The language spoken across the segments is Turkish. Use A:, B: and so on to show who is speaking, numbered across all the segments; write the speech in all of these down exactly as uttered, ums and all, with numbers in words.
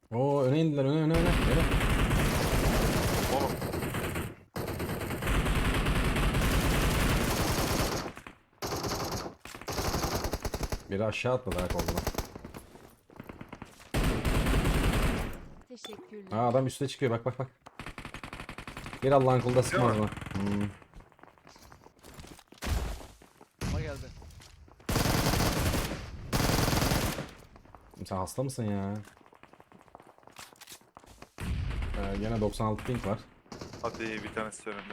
A: Oo öne indiler, öne öne öne. Öne.
B: Oğlum.
A: Biri aşağı atladı ha koluna.
C: Teşekkürler.
A: Ha adam üste çıkıyor, bak bak bak. Bir Allah'ın kulu da sıkmaz
B: mi?
A: mı? Hmm.
D: Ama geldi.
A: Sen hasta mısın ya? Ee, gene doksan altı ping var.
B: Hadi bir tanesi önünde.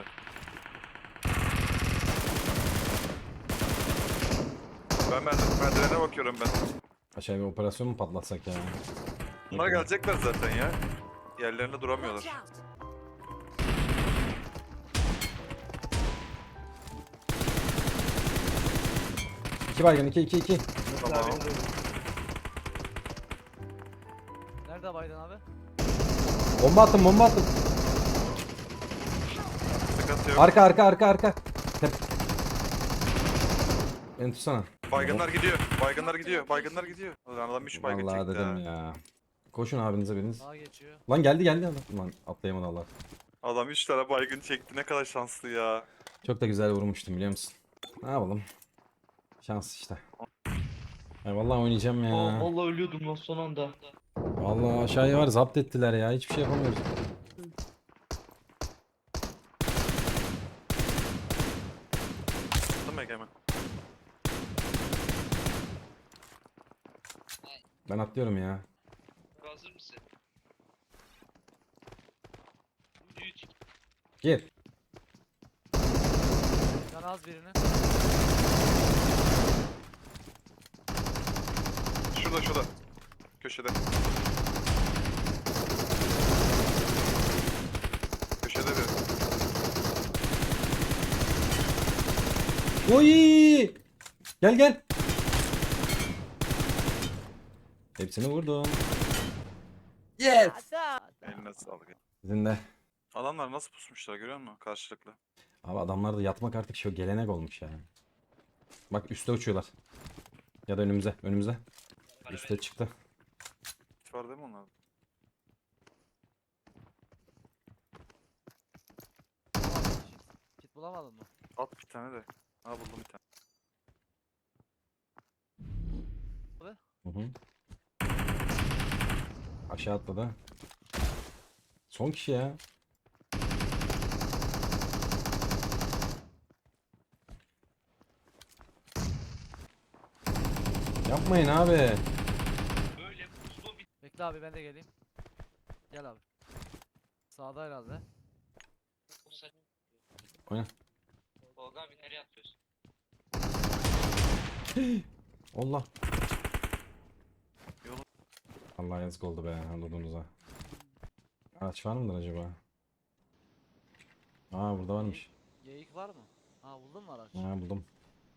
B: Ben merdiven, merdivene bakıyorum ben.
A: Aşağıya bir operasyon mu patlatsak ya?
B: Bunlar gelecekler zaten ya. Yerlerinde duramıyorlar.
C: Watch out.
A: İki baygın, iki iki iki.
B: Tamam.
D: Nerede Biden abi?
A: Bomba attım, bomba attım.
B: Sıkıntı yok.
A: Arka arka arka arka. Tep. Beni tutsana.
B: Baygınlar gidiyor. Baygınlar gidiyor. Baygınlar gidiyor. Ulan adam üç baygın
A: Vallahi
B: çekti
A: dedim
B: ha.
A: ya. Koşun abinize biriniz.
D: Sağa geçiyor.
A: Lan geldi geldi adam. Lan atlayamadı Allah.
B: Adam üç tane baygın çekti. Ne kadar şanslı ya.
A: Çok da güzel vurmuştum biliyor musun? Ne yapalım? Şans işte. Ay vallahi oynayacağım ya.
E: Aa, vallahi ölüyordum lan son anda.
A: Vallahi aşağıya var, zapt ettiler ya. Hiçbir şey yapamıyoruz.
B: Değil mi Egemen?
A: Ben atlıyorum ya.
E: Hazır mısın? üç.
A: Gir.
D: Can az birini.
B: Şurada şurada. Köşede. Köşede bir.
A: Oy! Gel gel. Hepsini vurdum.
D: Yes.
B: Eline sağlık.
A: Sizin de.
B: Adamlar nasıl pusmuşlar görüyor musun? Karşılıklı.
A: Abi adamlarda yatmak artık şu gelenek olmuş ya. Bak üste uçuyorlar. Ya da önümüze, önümüze. Üste çıktı.
B: Hiç var değil mi onlar?
D: Kit bulamadın mı?
B: At bir tane de. Ha buldum bir tane.
A: Hı hı. Aşağı atladı. Son kişi ya. Yapmayın abi.
E: Böyle puslu bir
D: Bekle abi ben de geleyim. Gel abi. Sağda herhalde.
E: pusa.
A: Oyna.
E: Tolga abi nereye atıyorsun?
A: Allah.
B: Yolu-
A: Allah yazık oldu be Anadolu'nuza. Araç var mıdır acaba? Aa burada varmış.
D: Geyik var mı? Ha buldun mu araç?
A: Ha buldum.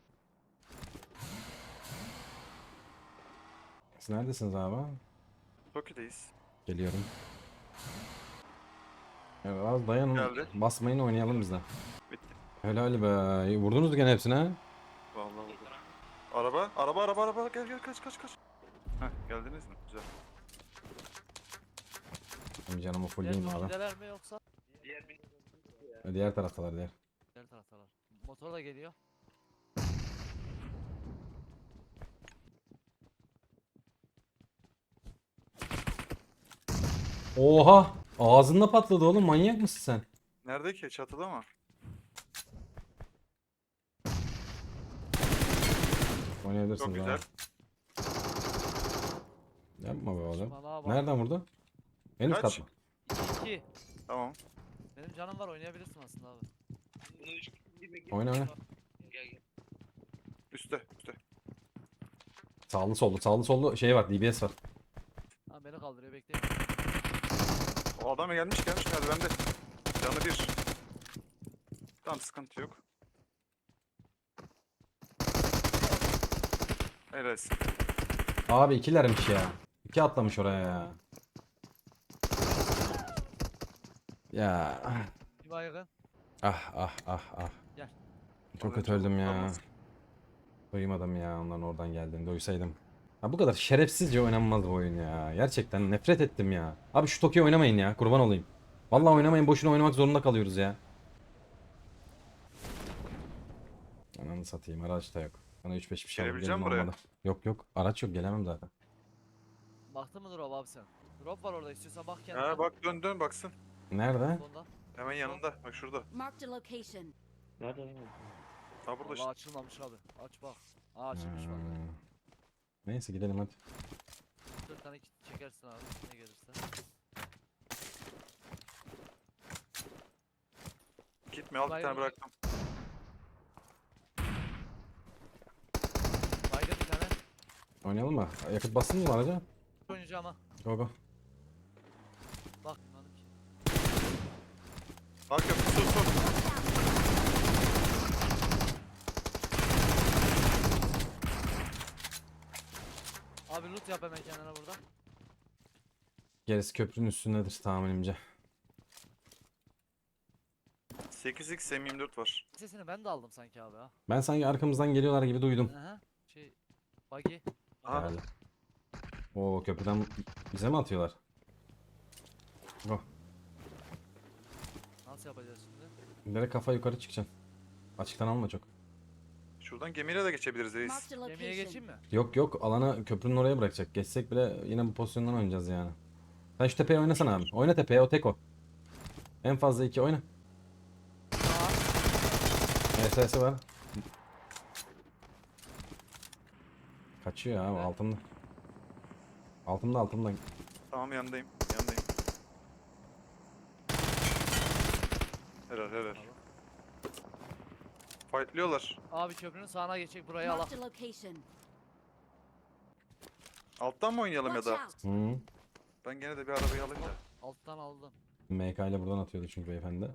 A: Siz neredesiniz abi?
B: Toki'deyiz.
A: Geliyorum. Evet, az dayanın.
B: Geldi.
A: Basmayın, oynayalım biz de.
B: Bitti.
A: Helal be. Vurdunuz gene hepsine ha?
B: Vallahi oldu. Araba, araba, araba, araba. Gel gel kaç kaç kaç. Heh geldiniz mi? Güzel.
A: Benim canımı
D: Diğer
A: fullleyeyim abi.
D: Toki'deler mi yoksa?
E: Diğer bir
A: Diğer taraftalar diğer.
D: Diğer taraftalar. Motor da geliyor.
A: Oha! Ağzında patladı oğlum, manyak mısın sen?
B: Nerede ki? Çatıda mı?
A: Oynayabilirsiniz
B: Çok güzel.
A: abi. Yapma be oğlum.
D: Saçmalığa bak.
A: Nereden vurdu? En üst
B: Kaç?
A: kat mı?
D: İki iki.
B: Tamam.
D: Benim canım var oynayabilirsin aslında abi.
E: bunu üç gibi
A: Oyna oyna.
E: Gel gel.
B: Üste, üste.
A: Sağlı sollu, sağlı sollu şey var, D B S var.
D: Ha beni kaldırıyor bekleyin.
B: O adam gelmiş gelmiş merdivende. Canı bir. Tamam sıkıntı yok. Helal olsun.
A: Abi ikilermiş ya. İki atlamış oraya ya. Ya.
D: Bir baygın.
A: Ah ah ah ah.
D: Gel.
A: Çok
B: Az
A: kötü
B: önce
A: öldüm ya.
B: olmaz.
A: Duymadım ya onların oradan geldiğini. Duysaydım. Ha bu kadar şerefsizce oynanmaz bu oyun ya. Gerçekten nefret ettim ya. Abi şu Tokyo oynamayın ya. Kurban olayım. Vallahi oynamayın. Boşuna oynamak zorunda kalıyoruz ya. Ananı satayım. Araç da yok. Bana üç beş bir şey alıp
B: Gelebileceğim
A: gelin
B: buraya.
A: olmadı. Yok yok. Araç yok. Gelemem zaten.
D: Baktın mı drop abi sen? Drop var orada, istiyorsan bak kendine.
B: Ha bak dön dön baksın.
A: Nerede?
D: Sonda.
B: Hemen yanında. Bak şurada.
C: Marked a location.
E: Nerede lan?
B: Ha burada
D: Vallahi
B: işte.
D: açılmamış abi. Aç bak. Aa açılmış vallahi.
A: Ha. Neyse gidelim hadi.
D: Dört tane kit çekersin abi ne gelirse.
B: Gitme al bir
D: Baygın
B: tane
D: mı?
B: bıraktım.
D: Baygın bir tane.
A: Oynayalım mı? Yakıt bassın mı araca?
D: Oynayacağım ha.
A: Go go.
D: Bak bilmadım ki.
B: Bak yapı su su.
D: Abi loot yap hemen kendine burada.
A: Gerisi köprünün üstündedir tahminimce.
B: sekiz x M yirmi dört var.
D: Sesini ben de aldım sanki abi ha.
A: Ben sanki arkamızdan geliyorlar gibi duydum.
D: Aha. Şey. Buggy.
B: Aha.
A: Herhalde. Oo köprüden bize mi atıyorlar? Go.
D: Nasıl yapacağız şimdi?
A: Direkt kafa yukarı çıkacaksın. Açıktan alma çok.
B: Şuradan gemiyle de geçebiliriz reis.
C: Marked a
D: Gemiye geçeyim
C: location.
D: mi?
A: Yok yok alana köprünün oraya bırakacak. Geçsek bile yine bu pozisyondan oynayacağız yani. Sen şu tepeye oynasana abi. Oyna tepeye o tek o. En fazla iki oyna.
D: Aa.
A: S S'i var. Kaçıyor abi
D: Evet.
A: altımda. Altımda altımda.
B: Tamam yanındayım. Yanındayım. Helal helal. Fightlıyorlar.
D: Abi köprünün sağına geçecek burayı al.
C: Marked a location.
B: Alttan mı oynayalım ya
C: Watch
B: da?
C: out.
A: Hı.
B: Ben gene de bir arabayı alayım da.
D: Alttan aldım.
A: M K ile buradan atıyordu çünkü beyefendi.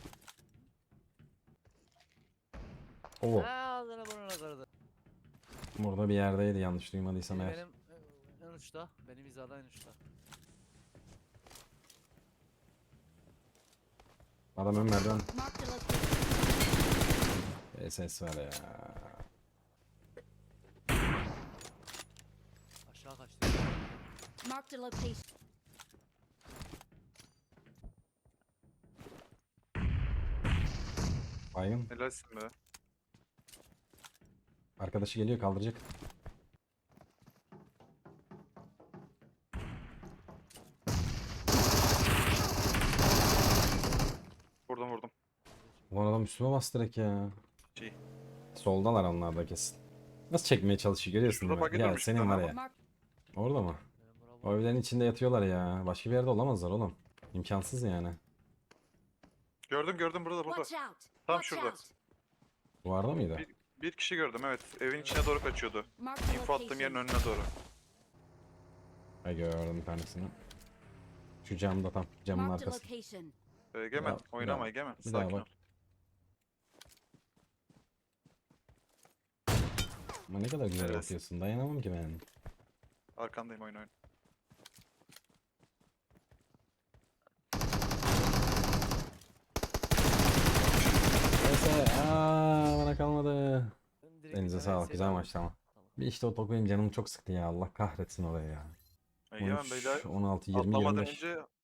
A: Oo,
D: Ha ağzına burnuna kırdı.
A: burada bir yerdeydi yanlış duymadıysam
D: Biri
A: eğer.
D: benim e, en uçta. Benim hizadan en uçta.
A: Adam ön merdiven.
C: Marked a location.
A: S S var ya.
D: Aşağı kaçtı.
C: Marked a location.
A: Baygın.
B: Helalsin be.
A: Arkadaşı geliyor kaldıracak.
B: Vurdum vurdum.
A: Ulan adam üstüme bastı direkt ya.
B: Şey.
A: Soldalar onlar da kesin. Nasıl çekmeye çalışıyor görüyorsun
B: Şurada
A: değil mi?
B: buggy
A: Ya
B: durmuş bir
A: senin
B: tane
A: var
B: ama.
A: ya.
C: Mark
A: Orada mı?
D: Benim
A: O
D: bravo.
A: evlerin içinde yatıyorlar ya. Başka bir yerde olamazlar oğlum. İmkansız yani.
B: Gördüm gördüm burada burada.
C: Watch out.
B: Tam
C: Watch
B: şurada.
C: out.
A: Duvarda mıydı?
B: Bir, bir kişi gördüm evet. Evin içine doğru kaçıyordu.
C: Marked a
B: İnfo attığım yerin
C: location.
B: önüne doğru.
A: Ha gördüm bir tanesini. Şu camda tam. Camın
C: Marked a
A: arkası.
C: location.
B: Ee, Egemen
A: Ya, bir
B: oynama
A: daha-
B: Egemen.
A: Bir daha
B: Sakin ol.
A: bak. Ama ne kadar güzel
B: Evet.
A: yapıyorsun. Dayanamam ki ben.
B: Arkandayım oyun oyun.
A: Neyse. Aa, bana kalmadı.
D: Benim direkt
A: Elinize
D: bir tane
A: sağlık. Güzel
D: aldım.
A: maçtı ama.
D: Tamam.
A: Bir işte o top benim canımı çok sıktı ya. Allah kahretsin orayı ya.
B: Egemen beyler
A: on altı, yirmi,
B: atlamadan
A: yirmi beş.
B: önce